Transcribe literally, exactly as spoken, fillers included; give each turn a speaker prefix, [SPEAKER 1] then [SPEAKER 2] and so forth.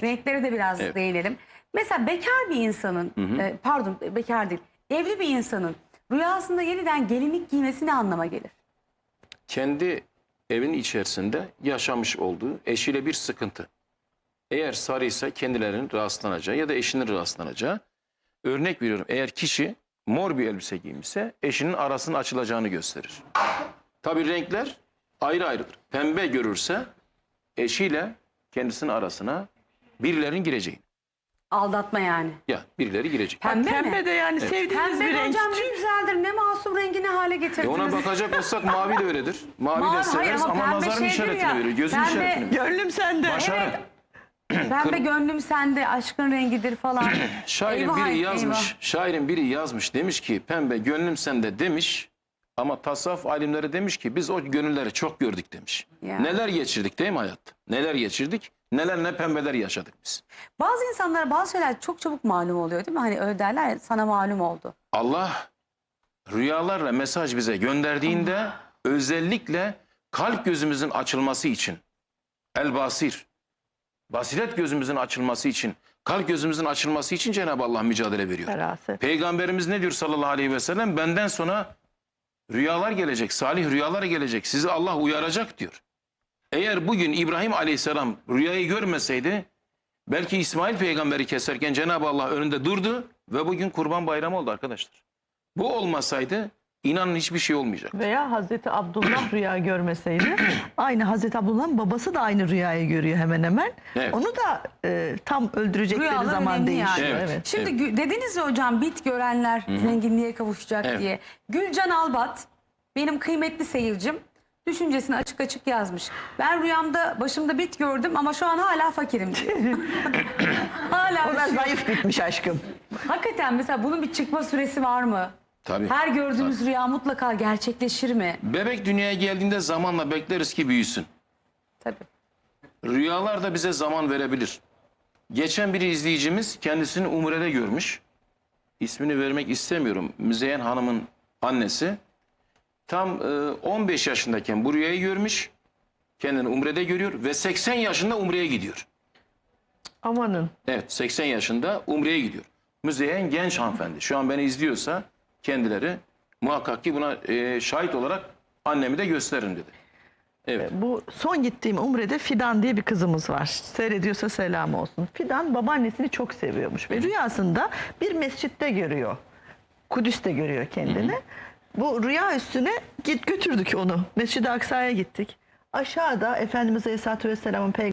[SPEAKER 1] renklere de biraz
[SPEAKER 2] Evet.
[SPEAKER 1] değinelim. Mesela bekar bir insanın,
[SPEAKER 2] Hı hı.
[SPEAKER 1] e, pardon bekar değil, evli bir insanın rüyasında yeniden gelinlik giymesi ne anlama gelir?
[SPEAKER 2] Kendi evin içerisinde yaşamış olduğu eşiyle bir sıkıntı. Eğer sarıysa kendilerinin rahatsızlanacağı ya da eşinin rahatsızlanacağı. Örnek veriyorum, eğer kişi mor bir elbise giymişse eşinin arasının açılacağını gösterir. Tabii renkler ayrı ayrıdır. Pembe görürse eşiyle kendisinin arasına birilerinin gireceğini.
[SPEAKER 1] Aldatma yani.
[SPEAKER 2] Ya birileri girecek.
[SPEAKER 1] Pembe, mi?
[SPEAKER 3] Pembe de yani
[SPEAKER 2] Evet.
[SPEAKER 3] sevdiğimiz
[SPEAKER 1] Pembe
[SPEAKER 3] bir
[SPEAKER 1] de
[SPEAKER 3] renk.
[SPEAKER 1] hocam ne güzeldir, ne masum rengi ne hale
[SPEAKER 2] E
[SPEAKER 1] getirdiniz.
[SPEAKER 2] ona bakacak olsak mavi de öyledir. Mavi,
[SPEAKER 1] Mavi,
[SPEAKER 2] de
[SPEAKER 1] hayır
[SPEAKER 2] severiz
[SPEAKER 1] ama
[SPEAKER 2] ama,
[SPEAKER 1] pembe
[SPEAKER 2] nazarın
[SPEAKER 1] şeydir
[SPEAKER 2] işaretini
[SPEAKER 1] ya,
[SPEAKER 2] veriyor. Gözün
[SPEAKER 1] pembe-
[SPEAKER 2] işaretini veriyor.
[SPEAKER 3] Gönlüm sende.
[SPEAKER 2] Başarı.
[SPEAKER 1] Pembe gönlüm sende, aşkın rengidir falan.
[SPEAKER 2] Şairin
[SPEAKER 1] Eyvah,
[SPEAKER 2] biri yazmış,
[SPEAKER 1] eyvah.
[SPEAKER 2] şairin biri yazmış, demiş ki pembe gönlüm sende demiş. Ama tasavvuf alimleri demiş ki biz o gönülleri çok gördük demiş.
[SPEAKER 1] Ya.
[SPEAKER 2] Neler geçirdik değil mi hayatta? Neler geçirdik? Neler ne pembeler yaşadık biz.
[SPEAKER 1] Bazı insanlara bazı şeyler çok çabuk malum oluyor değil mi? Hani öyle derler ya, sana malum oldu.
[SPEAKER 2] Allah rüyalarla mesaj bize gönderdiğinde özellikle kalp gözümüzün açılması için, el basir, basiret gözümüzün açılması için, kalp gözümüzün açılması için Cenab-ı Allah mücadele veriyor.
[SPEAKER 3] Feraset.
[SPEAKER 2] Peygamberimiz ne diyor sallallahu aleyhi ve sellem? Benden sonra rüyalar gelecek, salih rüyalar gelecek. Sizi Allah uyaracak diyor. Eğer bugün İbrahim aleyhisselam rüyayı görmeseydi belki İsmail peygamberi keserken Cenab-ı Allah önünde durdu ve bugün Kurban Bayramı oldu arkadaşlar. Bu olmasaydı inanın hiçbir şey olmayacak.
[SPEAKER 3] Veya Hazreti Abdullah rüya görmeseydi aynı Hazreti Abdullah'ın babası da aynı rüyayı görüyor hemen hemen.
[SPEAKER 2] Evet.
[SPEAKER 3] Onu da e, tam öldürecekleri
[SPEAKER 1] Rüyalar
[SPEAKER 3] zaman
[SPEAKER 1] önemli
[SPEAKER 3] değişiyor.
[SPEAKER 1] yani.
[SPEAKER 3] Evet.
[SPEAKER 2] Evet.
[SPEAKER 1] Şimdi gü- dediniz ya hocam, bit görenler zenginliğe kavuşacak
[SPEAKER 2] Evet.
[SPEAKER 1] diye. Gülcan Albat benim kıymetli seyircim düşüncesini açık açık yazmış. Ben rüyamda başımda bit gördüm ama şu an hala fakirim diyor. hala
[SPEAKER 3] O
[SPEAKER 1] bir
[SPEAKER 3] da
[SPEAKER 1] şey yok.
[SPEAKER 3] zayıf bitmiş aşkım.
[SPEAKER 1] Hakikaten mesela bunun bir çıkma süresi var mı?
[SPEAKER 2] Tabii.
[SPEAKER 1] Her gördüğümüz rüya mutlaka gerçekleşir mi?
[SPEAKER 2] Bebek dünyaya geldiğinde zamanla bekleriz ki büyüsün.
[SPEAKER 1] Tabii.
[SPEAKER 2] Rüyalar da bize zaman verebilir. Geçen bir izleyicimiz kendisini Umre'de görmüş. İsmini vermek istemiyorum. Müzeyyen Hanım'ın annesi. Tam e, on beş yaşındayken bu rüyayı görmüş. Kendini Umre'de görüyor ve seksen yaşında Umre'ye gidiyor.
[SPEAKER 3] Amanın.
[SPEAKER 2] Evet, seksen yaşında Umre'ye gidiyor. Müzeyyen genç hanımefendi. Şu an beni izliyorsa kendileri muhakkak ki buna e, şahit olarak annemi de gösterin dedi. Evet.
[SPEAKER 3] Bu son gittiğim Umre'de Fidan diye bir kızımız var. Seyrediyorsa selam olsun. Fidan babaannesini çok seviyormuş ve rüyasında bir mescitte görüyor. Kudüs'te görüyor kendini. Hı hı. Bu rüya üstüne git götürdük onu. Mescid-i Aksa'ya gittik. Aşağıda Efendimiz Aleyhisselatü Vesselam'ın